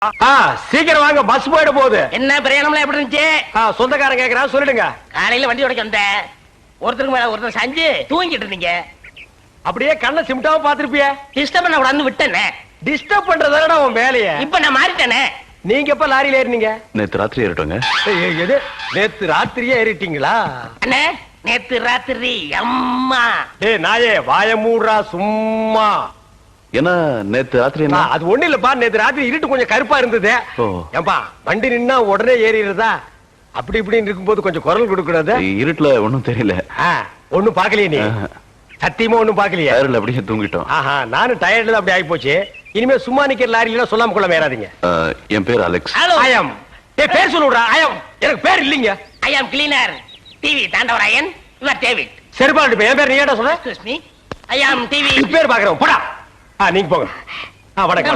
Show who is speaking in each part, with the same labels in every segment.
Speaker 1: சீக்கிரம் வாங்க, பஸ் போயிட போகுது.
Speaker 2: என்ன பிரயாணம்லாம் எப்படி இருந்துச்சு?
Speaker 1: சொந்தக்காரன் கேக்குறா, சொல்லிடுங்க.
Speaker 2: காலையில வண்டி உடைக்க வந்தேன். ஒருத்தருக்கு மேல ஒருத்தர் சாஞ்சு தூங்கிட்டு இருந்தீங்க.
Speaker 1: அப்படியே கண்ணை சிமிட்டாம பாத்துருப்பிய.
Speaker 2: டிஸ்டர்ப் பண்ண கூடாதுன்னு விட்டேனே.
Speaker 1: டிஸ்டர்ப் பண்றதானடா உன் வேலைய.
Speaker 2: இப்ப நான் மாறிட்டேனே.
Speaker 1: நீங்க எப்ப லாரியில ஏறினீங்க?
Speaker 3: நேத்து ராத்திரி ஏறிட்டோங்க.
Speaker 1: எது நேத்து ராத்திரியே ஏறிட்டீங்களா?
Speaker 2: அண்ணே நேத்து ராத்திரி அம்மா.
Speaker 1: டேய் நாயே வாய மூடுறா சும்மா.
Speaker 3: ஏன்னா நேத்து ராத்திரி என்ன?
Speaker 1: அது ஒண்ணு இல்லப்பா, நேத்து ராத்திரி இருட்டு கொஞ்சம் கருப்பா இருந்தது. ஏன்பா வண்டி நின்னா உடனே ஏறிடுறதா? அப்படி இப்படின்னு இருக்கும்போது கொஞ்சம் குரல் கொடுக்கறது.
Speaker 3: இருட்டுல ஒண்ணும் தெரியல.
Speaker 1: ஒண்ணும் பாக்கலையே நீ? சத்தியமா ஒண்ணும் பாக்கலையா?
Speaker 3: அப்படியே தூங்கிட்டோம்.
Speaker 1: நானும் டயர்ட்ல அப்படி ஆகி போச்சு. இனிமே சும்மா நிக்கிற லாரியில சொல்லாம கொள்ள மேறாதீங்க.
Speaker 3: என் பேர் அலெக்ஸ்.
Speaker 1: ஐயம் பேர் சொல்லுடா. ஐயம் எனக்கு பேர் இல்லீங்க.
Speaker 2: I am cleaner TV Thandavarayan. இவர் டேவிட்.
Speaker 1: சரிபாடு என் பேர் நீ ஏடா சொல்ற?
Speaker 2: Excuse me. ஐயம் டிவி
Speaker 1: பேர் பாக்குறோம். போடா. நீங்க போங்க. வணக்கம்.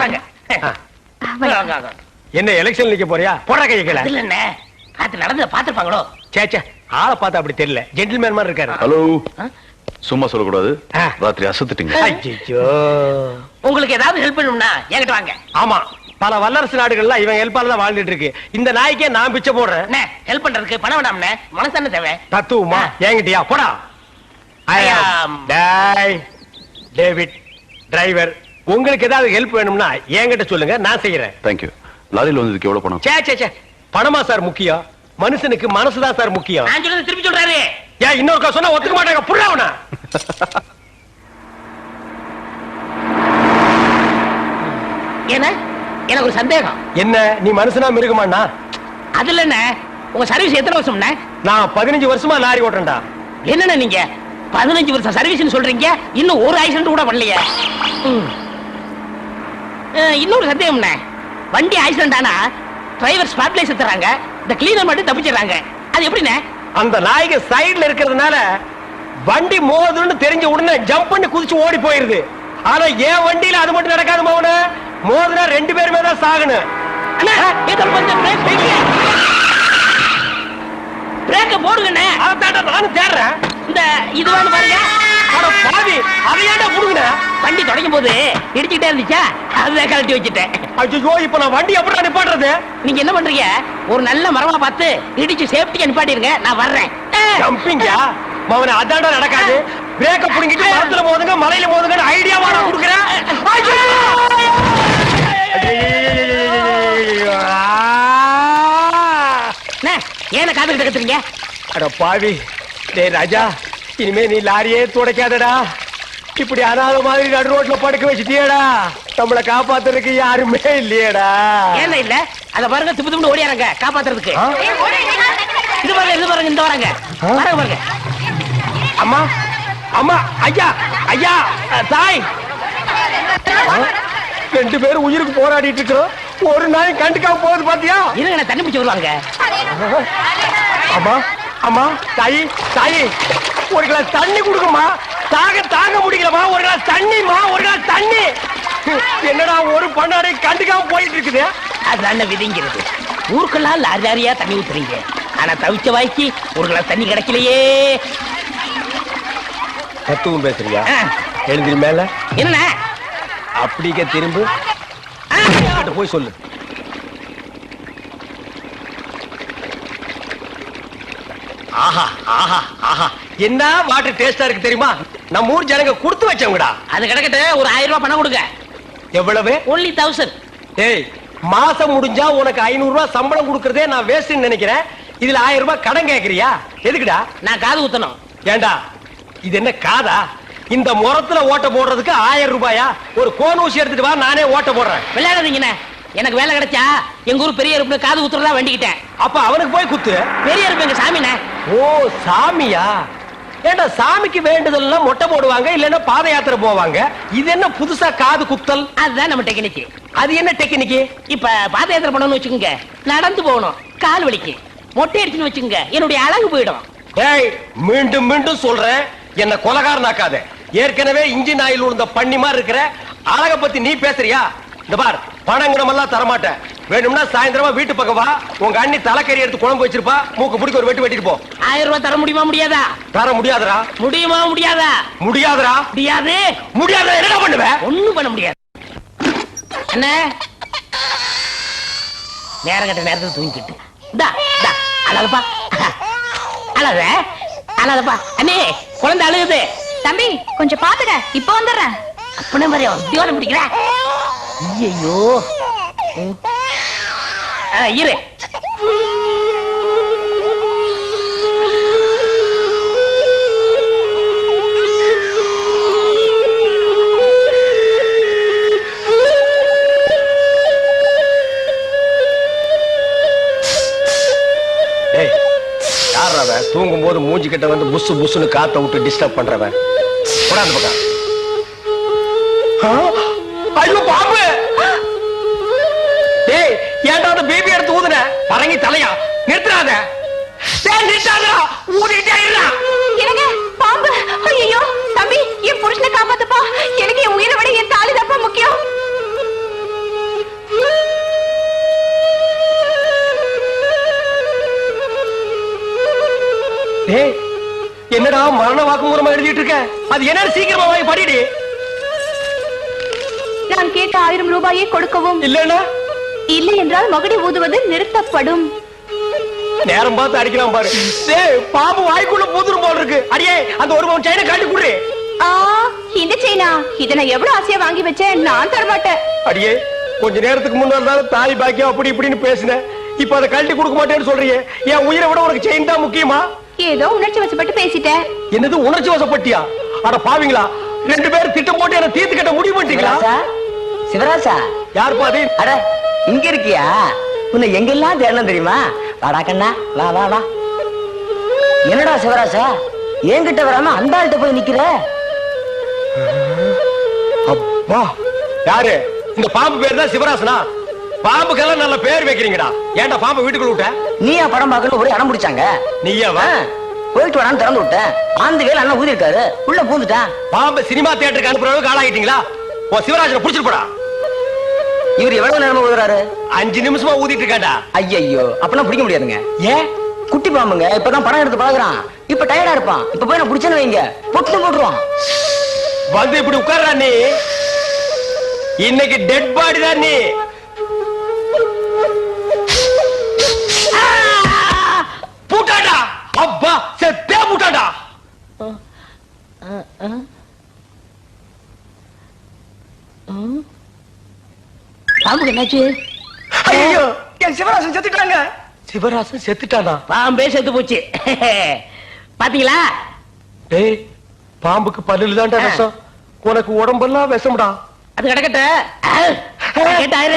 Speaker 1: என்ன எலெக்ஷன் நிக்க போறியா? போடா கைய கீழ.
Speaker 2: இல்ல என்ன காத்து நடந்து பாத்துப்பாங்களோ?
Speaker 1: சேச்சே ஆளை பார்த்தா அப்படி தெரியல. ஜென்டில்மேன் மாதிரி இருக்காரு.
Speaker 3: ஹலோ சும்மா சொல்லக்கூடாது. ராத்திரி அசத்துட்டீங்க.
Speaker 1: ஐயோ
Speaker 2: உங்களுக்கு ஏதாவது ஹெல்ப் பண்ணணும்னா என்கிட்ட வாங்க.
Speaker 1: ஆமா பல வல்லரசு நாடுகள்ல இவன் ஹெல்ப்பால தான் வாழ்ந்துட்டு இருக்கு. இந்த நாய்க்கே நான் பிச்சை போடுறேன்.
Speaker 2: ஹெல்ப் பண்றதுக்கு பணம் வேண்டாம்னே, மனசு தேவை.
Speaker 1: தத்துவமா என்கிட்டயா? போடா. டேவிட் டிரைவர், உங்களுக்கு ஏதாவது ஹெல்ப் வேணும்னா என்கிட்ட சொல்லுங்க, நான் செய்யறேன்.
Speaker 3: தேங்க்யூ. லாரியில் வந்ததுக்கு எவ்வளவு பணம்?
Speaker 1: சே பணமா சார் முக்கியம்? மனுஷனுக்கு மனசுதான் சார் முக்கியம்.
Speaker 2: நான் சொல்றது திருப்பி சொல்றாரு.
Speaker 1: ஏன் இன்னொருக்கா சொன்னா ஒத்துக்க மாட்டாங்க. புரியவனா?
Speaker 2: என்ன எனக்கு ஒரு சந்தேகம்.
Speaker 1: என்ன நீ மனுஷனா மிருகமாண்ணா?
Speaker 2: அதுல என்ன உங்க சர்வீஸ் எத்தனை வருஷம்னா?
Speaker 1: நான் 15 வருஷமா லாரி ஓட்டுறேன்டா.
Speaker 2: என்னன்னா நீங்க 15 வருஷம் சர்வீஸ் சொல்றீங்க, இன்னும் ஒரு ஆக்சிடென்ட் கூட பண்ணலையே. இன்னொரு சந்தேகம்ண்ணே, வண்டி ஆக்சிடென்ட் ஆனா டிரைவர் ஸ்பாட்லைஸ் தராங்க, இந்த கிளீனர் மட்டும் தப்பிச்சிடறாங்க. அது எப்படிண்ணே?
Speaker 1: அந்த நாய்க்கு சைடுல இருக்கிறதுனால வண்டி மோதுன்னு தெரிஞ்ச உடனே ஜம்ப் பண்ணி குதிச்சு ஓடி போயிருது. ஆனா என் வண்டியில அது மட்டும் நடக்காது மோன. மோதுனா 2 பேருமே தான் சாகணும்.
Speaker 2: பிரேக்க போடுங்கண்ணே.
Speaker 1: அதான்டா நானும் தேடுறேன்.
Speaker 2: இந்த இதுவான்னு பாருங்க.
Speaker 1: அட பாவி, அதையாண்டா புடுங்கன?
Speaker 2: வண்டி தொடங்கும் போது இடிச்சிட்டே இருந்துச்சா, அதுதான் கழட்டி வச்சிட்டேன்.
Speaker 1: ஐயோ இப்ப நான் வண்டி எப்படி நிப்பாட்டுறது?
Speaker 2: நீங்க என்ன பண்றீங்க, ஒரு நல்ல மரமா பார்த்து இடிச்சு சேஃப்டியா நிப்பாட்டிருங்க, நான் வர்றேன்.
Speaker 1: ஜம்பிங்கா மவனே, அதான்டா நடக்காது. பிரேக்க புடுங்கிட்டு மரத்துல மோதுங்க மலையில மோதுங்கன்னு ஐடியாவா நான் கொடுக்குறேன்.
Speaker 2: ஏன காதுகிட்ட கத்துறீங்க?
Speaker 1: அட பாவி, டேய் ராஜா, இனிமே நீ லாரியே துடைக்காதடா. இப்படி அனாத மாதிரி நடு ரோட்ல படுக்க வச்சுட்டியடா. நம்மள காப்பாத்துறதுக்கு யாருமே இல்லையடா.
Speaker 2: ஏன் இல்ல? அத பாருங்க, திப்பு திப்பு ஓடியாரங்க காப்பாத்துறதுக்கு. இது பாருங்க, இது பாருங்க, இந்த வராங்க பாருங்க பாருங்க.
Speaker 1: அம்மா அம்மா, ஐயா ஐயா, தாய், 2 பேரும் உயிருக்கு போராடிட்டு இருக்கிறோம். ஒரு நாய் கண்டுக்காம போகுது பாத்தியா?
Speaker 2: இருங்க, தண்ணி பிடிச்சு வருவாங்க.
Speaker 1: அம்மா அம்மா, தாயி தாயி, ஒரு கிளாஸ் தண்ணி கொடுக்குமா? தாங்க முடியலமா. ஒரு கிளாஸ் தண்ணிமா, ஒரு கிளாஸ் தண்ணி. என்னடா ஒரு பண்ணாடை கண்டுக்காம போயிட்டு இருக்குது.
Speaker 2: அதுதான் விதிங்கிறது. ஊருக்கெல்லாம் லாரி லாரியா தண்ணி ஊத்துறீங்க, ஆனா தவிச்ச வாய்க்கு ஒரு கிளாஸ் தண்ணி கிடைக்கலையே.
Speaker 1: தத்துவம் பேசுறியா? எழுந்திரி மேல.
Speaker 2: என்ன
Speaker 1: அப்படிக்க திரும்ப போய் சொல்லு. ஆஹா ஆஹா ஆஹா, என்ன வாட்டர் டேஸ்டா இருக்கு தெரியுமா? நம்ம ஊர் ஜனங்க கொடுத்து வச்சவங்கடா.
Speaker 2: அது கிடக்கட்டு, ஒரு 1000 ரூபாய் பணம் கொடுங்க.
Speaker 1: எவ்வளவு?
Speaker 2: only 1000.
Speaker 1: ஏய், மாசம் முடிஞ்சா உனக்கு 500 ரூபாய் சம்பளம் கொடுக்கறதே நான் வேஸ்ட்னு நினைக்கிறேன். இதுல 1000 ரூபாய் கடன் கேக்குறியா? எதுக்குடா?
Speaker 2: நான் காது ஊத்தணும்.
Speaker 1: ஏண்டா இது என்ன காதா? இந்த முறத்துல ஓட்ட போடுறதுக்கு 1000 ரூபாயா? ஒரு கோன் ஊசி எடுத்துட்டு வா, நானே ஓட்ட போடுறேன்.
Speaker 2: விளையாடாதீங்கண்ணே, எனக்கு வேலை கிடைச்சா எங்க ஊர் பெரிய இருப்பு காது ஊத்துறதா வேண்டிக்கிட்டேன்.
Speaker 1: அப்ப அவனுக்கு போய் குத்து.
Speaker 2: பெரிய இருப்பு எங்க சாமிண்ணே.
Speaker 1: ஓ சாமியா? ஏண்டா சாமிக்கு வேண்டுதல்லாம் மொட்டை போடுவாங்க, இல்லன்னா பாத யாத்திரை போவாங்க. இது என்ன புதுசா காது குத்தல்?
Speaker 2: அதுதான் நம்ம டெக்னிக்.
Speaker 1: அது என்ன டெக்னிக்?
Speaker 2: இப்ப பாத யாத்திரை பண்ணணும்னு வச்சுக்கோங்க, நடந்து போகணும், கால் வலிக்கு. மொட்டை அடிச்சுன்னு வச்சுக்கோங்க, என்னுடைய அழகு போயிடும்.
Speaker 1: ஏய், மீண்டும் மீண்டும் சொல்றேன், என்ன கொலகாரனாக்காத. ஏற்கனவே இன்ஜின் ஆயில் உள்ள பண்ணி மாதிரி இருக்கிற. அழக பத்தி நீ பேசுறியா? இந்த பார், பணங்கணம் எல்லாம் தரமாட்டேன். வேணும்னா சாயந்தரமா வீட்டு பக்கம் வா, உங்க அண்ணி தலைக்கறி எடுத்து குழம்பு வச்சிருப்பா, மூக்கு பிடிக்க ஒரு வெட்டு வெட்டிட்டு போ.
Speaker 2: 1000 ரூபாய் தர முடியுமா முடியாதா?
Speaker 1: தர முடியாதரா?
Speaker 2: முடியுமா முடியாதா?
Speaker 1: முடியாதரா?
Speaker 2: முடியாது.
Speaker 1: முடியாத என்ன பண்ணுவ?
Speaker 2: ஒண்ணும் பண்ண முடியாது. அண்ணே நேரம் கட்ட நேரத்துல தூங்கிக்கிட்டு இந்தா இந்தா அழகப்பா அழக அழகப்பா அண்ணே குழந்தை அழுகுது.
Speaker 4: தம்பி கொஞ்சம் பாத்துக்க, இப்ப வந்துடுறேன்.
Speaker 2: அப்பனே மாதிரி தியோரம் பிடிக்கிற. ஐயோ இரு.
Speaker 1: தூங்கும் போது மூஞ்சி கிட்ட வந்து புசு புசுன்னு காத்த விட்டு டிஸ்டர்ப் பண்றவன். போடாது பக்கம். ஐயோ பாம்பு! டேய் ஏன்டா அந்த பேபி எடுத்து ஊதுன? பரங்கி தலையா நிறுத்துறாத. டேய் நிறுத்தாதடா, ஊதிட்டே இருடா.
Speaker 4: என்னங்க பாம்பு? ஐயோ தம்பி, என் புருஷனை காப்பாத்துப்பா. எனக்கு என் உயிரை விட என் தாலி தான்ப்பா முக்கியம்.
Speaker 1: டேய் என்னடா மரண வாக்குமூலமா எழுதிட்டு இருக்க? அது என்ன சீக்கிரமா வாங்கி படிடி.
Speaker 4: நான் கேட்ட 1000 ரூபாயை கொடுக்கவும்.
Speaker 1: இல்லன்னா
Speaker 4: இல்லை என்றால் மகுடி ஊதுவது நிறுத்தப்படும்.
Speaker 1: நேரம் பார்த்து அடிக்கலாம் பாரு. டேய் பாம்பு வாய்க்குள்ள பூதுரும் போல இருக்கு. அடியே அந்த ஒரு பவுன் செயினை காட்டி குடுறே.
Speaker 4: இந்த செயினா? இத நான் எவ்வளவு ஆசையா வாங்கி வச்சேன், நான் தர மாட்டேன்.
Speaker 1: அடியே கொஞ்ச நேரத்துக்கு முன்னாடி தாலி பாக்கியம் அப்படி இப்படின்னு பேசினேன். இப்ப அதை கழட்டி கொடுக்க மாட்டேன்னு சொல்றியே. என் உயிரை விட உனக்கு செயின் தான் முக்கியமா?
Speaker 4: ஏதோ உணர்ச்சி வசப்பட்டு பேசிட்டேன்.
Speaker 1: என்னது உணர்ச்சி வசப்பட்டியா? அட பாவீங்களா, 2 பேரும் திட்டம் போட்டு என்ன தீர்த்து கட்ட முடிவு பண்ணிட்டீங்களா?
Speaker 5: சிவராசா,
Speaker 1: யார் பாதி?
Speaker 5: அட இங்க இருக்கியா? உன்னை எங்கெல்லாம் தேடணும் தெரியுமா? வாடா கண்ணா, வா வா வா. என்னடா சிவராசா, என்கிட்ட வராம அந்த ஆள்கிட்ட போய் நிக்கிற?
Speaker 1: அப்பா யாரு? இந்த பாம்பு பேர் தான் சிவராசனா? பாம்புக்கெல்லாம் நல்ல பேர் வைக்கிறீங்கடா. ஏன்டா பாம்பு வீட்டுக்குள்ள விட்ட?
Speaker 5: நீயா படம் பார்க்கணும் ஒரே அடம் பிடிச்சாங்க.
Speaker 1: நீயாவா?
Speaker 5: போயிட்டு வரான்னு திறந்து விட்டேன். ஆந்த வேலை அண்ணன் ஊதி இருக்காரு, உள்ள பூந்துட்டான்.
Speaker 1: பாம்பு சினிமா தியேட்டருக்கு அனுப்புற அளவுக்கு ஆளாகிட்டீங்களா? ஓ சிவராஜனை புடிச்சிட்டு போடா.
Speaker 5: இவர் எவ்வளவு நேரமா ஊதுறாரு?
Speaker 1: 5 நிமிஷமா ஊதிட்டு இருக்காண்டா.
Speaker 5: ஐயோ அப்பெல்லாம் பிடிக்க முடியாதுங்க.
Speaker 1: ஏன்?
Speaker 5: குட்டி பாம்புங்க, இப்பதான் படம் எடுத்து பழகுறான். இப்ப டயர்டா இருப்பான். இப்ப போய் நான் பிடிச்சேன்னு வைங்க, பொட்டு போட்டுருவான்.
Speaker 1: வந்து இப்படி உட்கார்றா நீ. இன்னைக்கு டெட் பாடி தான் நீ. பூட்டாடா. அப்பா செத்தே பூட்டாடா.
Speaker 2: பாம்புக்கு என்னாச்சு?
Speaker 5: ஐயோ என் சிவராசன் செத்துட்டாங்க.
Speaker 1: சிவராசன் செத்துட்டானா?
Speaker 2: பாம்பே செத்து போச்சு. பாத்தீங்களா?
Speaker 1: டேய் பாம்புக்கு பல்லுல தான்டா விஷம். உனக்கு உடம்பெல்லாம் விஷம்டா.
Speaker 2: அது கிடக்கட்ட